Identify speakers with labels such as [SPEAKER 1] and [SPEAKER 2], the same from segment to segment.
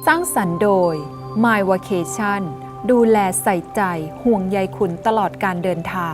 [SPEAKER 1] ร้างสรรค์โดย My Vacation ดูแลใส่ใจห่วงใยคุณตลอดการเดินทาง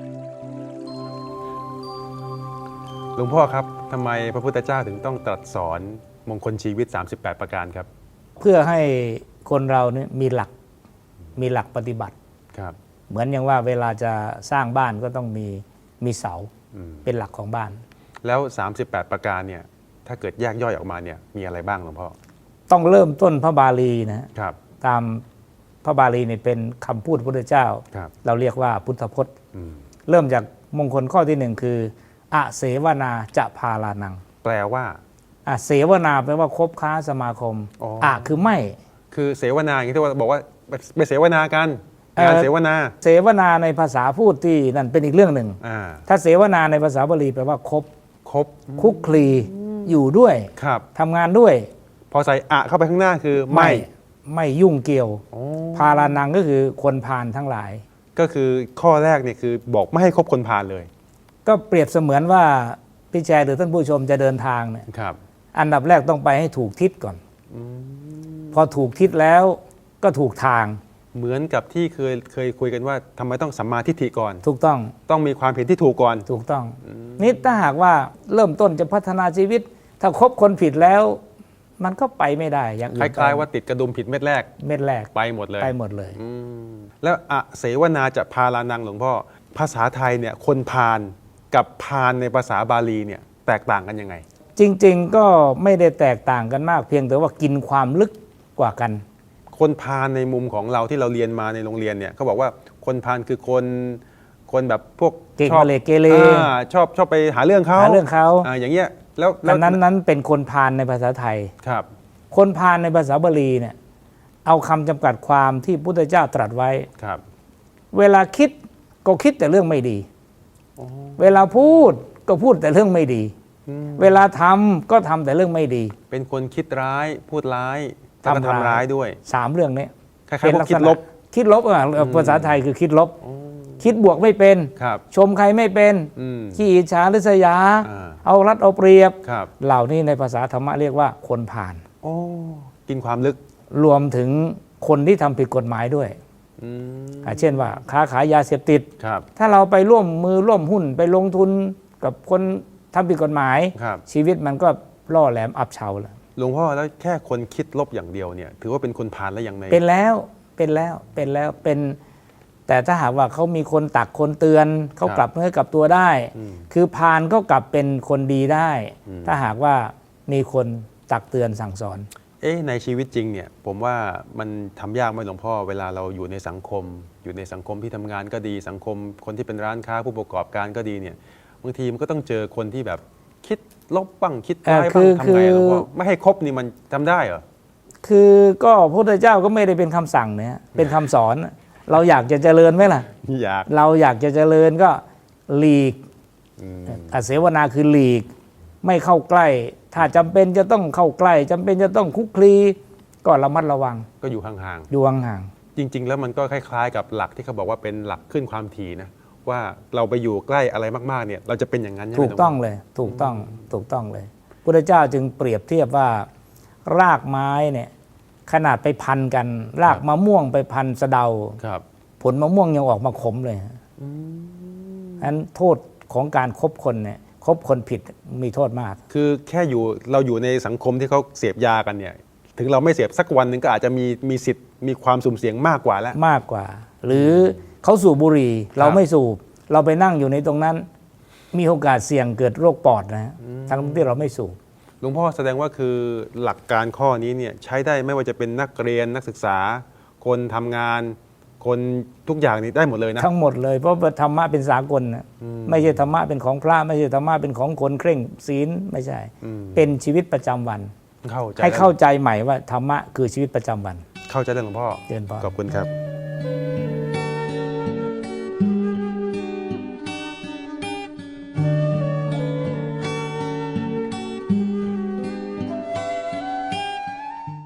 [SPEAKER 2] หลวงพ่อครับทำไมพระพุทธเจ้าถึงต้องตรัสสอนมงคลชีวิต38ประการครับ
[SPEAKER 3] เพื่อให้คนเราเนี่ยมีหลักปฏิบัติ
[SPEAKER 2] ครับ
[SPEAKER 3] เหมือนอย่างว่าเวลาจะสร้างบ้านก็ต้องมีเสาเป็นหลักของบ้าน
[SPEAKER 2] แล้ว38ประการเนี่ยถ้าเกิดแยกย่อยออกมาเนี่ยมีอะไรบ้างหลวงพ่อ
[SPEAKER 3] ต้องเริ่มต้นพระบาลีนะครับตามพระบาลีเนี่ยเป็นคำพูดพระพุทธเจ้าเราเรียกว่าพุทธพจน์เริ่มจากมงคลข้อที่หนึ่งคืออเสวนาจะพาลานัง
[SPEAKER 2] แปลว่า
[SPEAKER 3] เสวนาแปลว่าคบค้าสมาคมคือไม่
[SPEAKER 2] คือเสวนาอย่างที่ว่าบอกว่าไปเสวนากันการเสวนา
[SPEAKER 3] ในภาษาพูดที่นั่นเป็นอีกเรื่องหนึ่งถ้าเสวนาในภาษาบาลีแปลว่าคบคุกคลีอยู่ด้วยทำงานด้วย
[SPEAKER 2] พอใส่เข้าไปข้างหน้าคือ
[SPEAKER 3] ไม่ยุ่งเกี่ยวพาลานังก็คือคนพาลทั้งหลาย
[SPEAKER 2] ก็คือข้อแรกเนี่ยคือบอกไม่ให้คบคนพาลเลย
[SPEAKER 3] ก็เปรียบเสมือนว่าพี่แจหรือท่านผู้ชมจะเดินทางเนี่ยอันดับแรกต้องไปให้ถูกทิศก่อนพอถูกทิศแล้วก็ถูกทาง
[SPEAKER 2] เหมือนกับที่เคยคุยกันว่าทำไมต้องสัมมาทิฏฐิก่อน
[SPEAKER 3] ถูกต้อง
[SPEAKER 2] มีความเห็นที่ถูกก่อน
[SPEAKER 3] ถูกต้องนี่ถ้าหากว่าเริ่มต้นจะพัฒนาชีวิตถ้าคบคนผิดแล้วมันก็ไปไม่ได้อย่างอื่น
[SPEAKER 2] คล้ายๆว่าติดกระดุมผิดเม็ดแรกไปหมดเลยแล้วเสวนาจะพาลานังหลวงพ่อภาษาไทยเนี่ยคนพาลกับพาลในภาษาบาลีเนี่ยแตกต่างกันยังไง
[SPEAKER 3] จริงๆก็ไม่ได้แตกต่างกันมากเพียงแต่ว่ากินความลึกกว่ากัน
[SPEAKER 2] คนพาลในมุมของเราที่เราเรียนมาในโรงเรียนเนี่ยเขาบอกว่าคนพาลคือคนแบบพวก
[SPEAKER 3] ชอบเกเร
[SPEAKER 2] ชอบไปหาเรื่องเขาอย่างเงี้ยแล้ว
[SPEAKER 3] นั้นเป็นคนพาลในภาษาไทย
[SPEAKER 2] ครับ
[SPEAKER 3] คนพาลในภาษาบาลีเนี่ยเอาคำจำกัดความที่พุทธเจ้าตรัสไว้
[SPEAKER 2] ครับ
[SPEAKER 3] เวลาคิดก็คิดแต่เรื่องไม่ดีเวลาพูดก็พูดแต่เรื่องไม่ดีเวลาทำก็ทำแต่เรื่องไม่ดี
[SPEAKER 2] เป็นคนคิดร้ายพูดร้ายทำร้ายด้วย
[SPEAKER 3] 3เรื่องนี้
[SPEAKER 2] เป็นลักษณะ
[SPEAKER 3] คิดลบภาษาไทยคือคิดลบคิดบวกไม่เป็นชมใครไม่เป็นขี้อิจฉาริษยาเอารัดเอาเปรียบเหล่านี้ในภาษาธรรมะเรียกว่าคนพาล
[SPEAKER 2] กินความลึก
[SPEAKER 3] รวมถึงคนที่ทำผิดกฎหมายด้วยเช่นว่าค้าขายยาเสพติดถ้าเราไปร่วมมือร่วมหุ้นไปลงทุนกับคนทำผิดกฎหมายชีวิตมันก็ล่อแหลมอับเฉาแล้ว
[SPEAKER 2] หลวงพ่อแล้วแค่คนคิดลบอย่างเดียวเนี่ยถือว่าเป็นคนพาลแล้วยังไง
[SPEAKER 3] เป็นแล้วแต่ถ้าหากว่าเขามีคนตักคนเตือนเขากลับเนื้อกลับตัวได้คือพาลก็กลับเป็นคนดีได้ถ้าหากว่ามีคนตักเตือนสั่งสอน
[SPEAKER 2] ในชีวิตจริงเนี่ยผมว่ามันทำยากไหมหลวงพ่อเวลาเราอยู่ในสังคมที่ทำงานก็ดีสังคมคนที่เป็นร้านค้าผู้ประกอบการก็ดีเนี่ยบางทีมันก็ต้องเจอคนที่แบบคิดลบบ้างคิดร้ายบ้างทำไงหลวงพ่อไม่ให้คบนี่มันทำได้เหรอ
[SPEAKER 3] คือก็พระพุทธเจ้าก็ไม่ได้เป็นคำสั่งเนี่ยเป็นคำสอนเราอยากจะเจริญไหมล่ะเราอยากจะเจริญก็หลีกเสวนาคือหลีกไม่เข้าใกล้ถ้าจำเป็นจะต้องเข้าใกล้จำเป็นจะต้องคุกคลีก็ระมัดระวัง
[SPEAKER 2] ก็อยู่ห่าง
[SPEAKER 3] ๆ
[SPEAKER 2] จริงๆแล้วมันก็คล้ายๆกับหลักที่เขาบอกว่าเป็นหลักขึ้นความถี่นะว่าเราไปอยู่ใกล้อะไรมากๆเนี่ยเราจะเป็นอย่างนั้น
[SPEAKER 3] ถูกต้องเลยถูกต้องเลยพุทธเจ้าจึงเปรียบเทียบว่ารากไม้เนี่ยขนาดไปพันกันรากมะม่วงไปพันสะเดาผลมะม่วงยังออกมาขมเลยอันโทษของการคบคนเนี่ยคบคนผิดมีโทษมาก
[SPEAKER 2] คือแค่เราอยู่ในสังคมที่เขาเสพยากันเนี่ยถึงเราไม่เสพสักวันหนึ่งก็อาจจะมีสิทธิ์มีความสุ่มเสี่ยงมากกว่าแล้ว
[SPEAKER 3] หรือเขาสูบบุหรี่เราไม่สูบเราไปนั่งอยู่ในตรงนั้นมีโอกาสเสี่ยงเกิดโรคปอดนะทั้งที่เราไม่สูบ
[SPEAKER 2] หลวงพ่อแสดงว่าคือหลักการข้อนี้เนี่ยใช้ได้ไม่ว่าจะเป็นนักเรียนนักศึกษาคนทำงานคนทุกอย่างนี้ได้หมดเลยนะ
[SPEAKER 3] ทั้งหมดเลยเพราะธรรมะเป็นสากลนะไม่ใช่ธรรมะเป็นของพระไม่ใช่ธรรมะเป็นของคนเคร่งศีลไม่ใช่เป็นชีวิตประจำวันให้เข้าใจใหม่ว่าธรรมะคือชีวิตประจำวัน
[SPEAKER 2] เข้าใจได้หลวงพ่อ
[SPEAKER 3] เจริญพร
[SPEAKER 2] ขอบคุณครับ